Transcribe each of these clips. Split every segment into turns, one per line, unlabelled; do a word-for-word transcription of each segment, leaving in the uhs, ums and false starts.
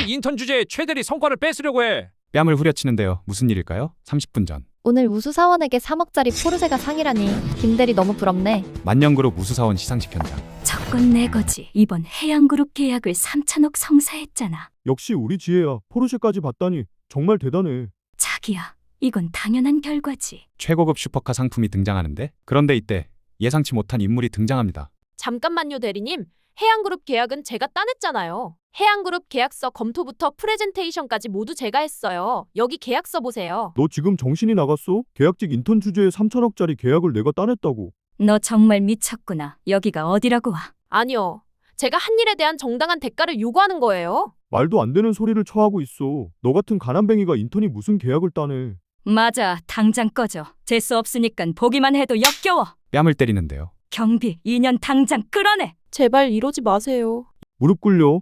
계약직 인턴 주제에 최대리 성과를 뺏으려고 해.
뺨을 후려치는데요. 무슨 일일까요? 삼십 분 전.
오늘 우수사원에게 삼억짜리 포르쉐가 상이라니 김대리 너무 부럽네.
만년그룹 우수사원 시상식 현장.
조건 내 거지. 이번 해양그룹 계약을 삼천억 성사했잖아.
역시 우리 지혜야. 포르쉐까지 봤다니 정말 대단해.
자기야, 이건 당연한 결과지.
최고급 슈퍼카 상품이 등장하는데, 그런데 이때 예상치 못한 인물이 등장합니다.
잠깐만요, 대리님. 해양그룹 계약은 제가 따냈잖아요. 해양그룹 계약서 검토부터 프레젠테이션까지 모두 제가 했어요. 여기 계약서 보세요.
너 지금 정신이 나갔어? 계약직 인턴 주제에 삼천억짜리 계약을 내가 따냈다고.
너 정말 미쳤구나. 여기가 어디라고 와.
아니요. 제가 한 일에 대한 정당한 대가를 요구하는 거예요.
말도 안 되는 소리를 처하고 있어. 너 같은 가난뱅이가 인턴이 무슨 계약을 따내.
맞아, 당장 꺼져. 재수 없으니까 보기만 해도 역겨워.
뺨을 때리는데요.
경비 이 년 당장 끌어내.
제발 이러지 마세요.
무릎 꿇려.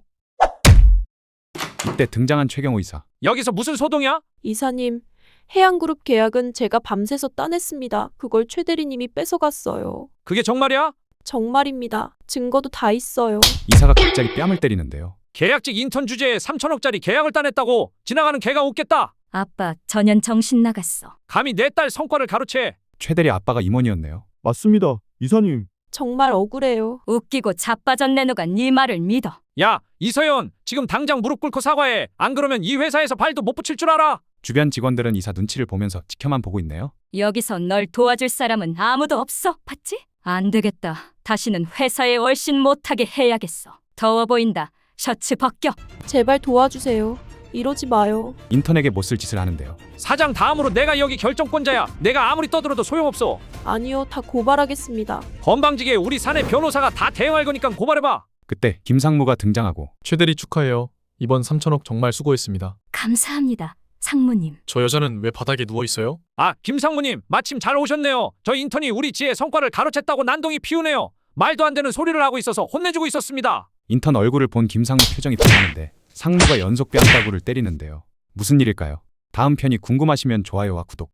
이때 등장한 최경호 이사.
여기서 무슨 소동이야?
이사님, 해양그룹 계약은 제가 밤새서 따냈습니다. 그걸 최 대리님이 뺏어갔어요.
그게 정말이야?
정말입니다. 증거도 다 있어요.
이사가 갑자기 뺨을 때리는데요.
계약직 인턴 주제에 삼천억짜리 계약을 따냈다고 지나가는 개가 웃겠다.
아빠 전혀 정신 나갔어.
감히 내 딸 성과를 가로채.
최대리 아빠가 임원이었네요.
맞습니다. 이사님.
정말 억울해요.
웃기고 자빠졌네. 누가 네 말을 믿어.
야, 이서연, 지금 당장 무릎 꿇고 사과해. 안 그러면 이 회사에서 발도 못 붙일 줄 알아.
주변 직원들은 이사 눈치를 보면서 지켜만 보고 있네요.
여기서 널 도와줄 사람은 아무도 없어. 봤지? 안 되겠다. 다시는 회사에 얼씬 못하게 해야겠어. 더워 보인다. 셔츠 벗겨.
제발 도와주세요. 이러지 마요.
인턴에게 못쓸 짓을 하는데요.
사장 다음으로 내가 여기 결정권자야. 내가 아무리 떠들어도 소용없어.
아니요, 다 고발하겠습니다.
건방지게 우리 사내 변호사가 다 대응할 거니까 고발해봐.
그때 김상무가 등장하고
최대리 축하해요. 이번 삼천억 정말 수고했습니다.
감사합니다. 상무님.
저 여자는 왜 바닥에 누워있어요?
아, 김상무님, 마침 잘 오셨네요. 저 인턴이 우리 지혜 성과를 가로챘다고 난동이 피우네요. 말도 안 되는 소리를 하고 있어서 혼내주고 있었습니다.
인턴 얼굴을 본 김상무 표정이 변하는데 상무가 연속 뺨따구를 때리는데요. 무슨 일일까요? 다음 편이 궁금하시면 좋아요와 구독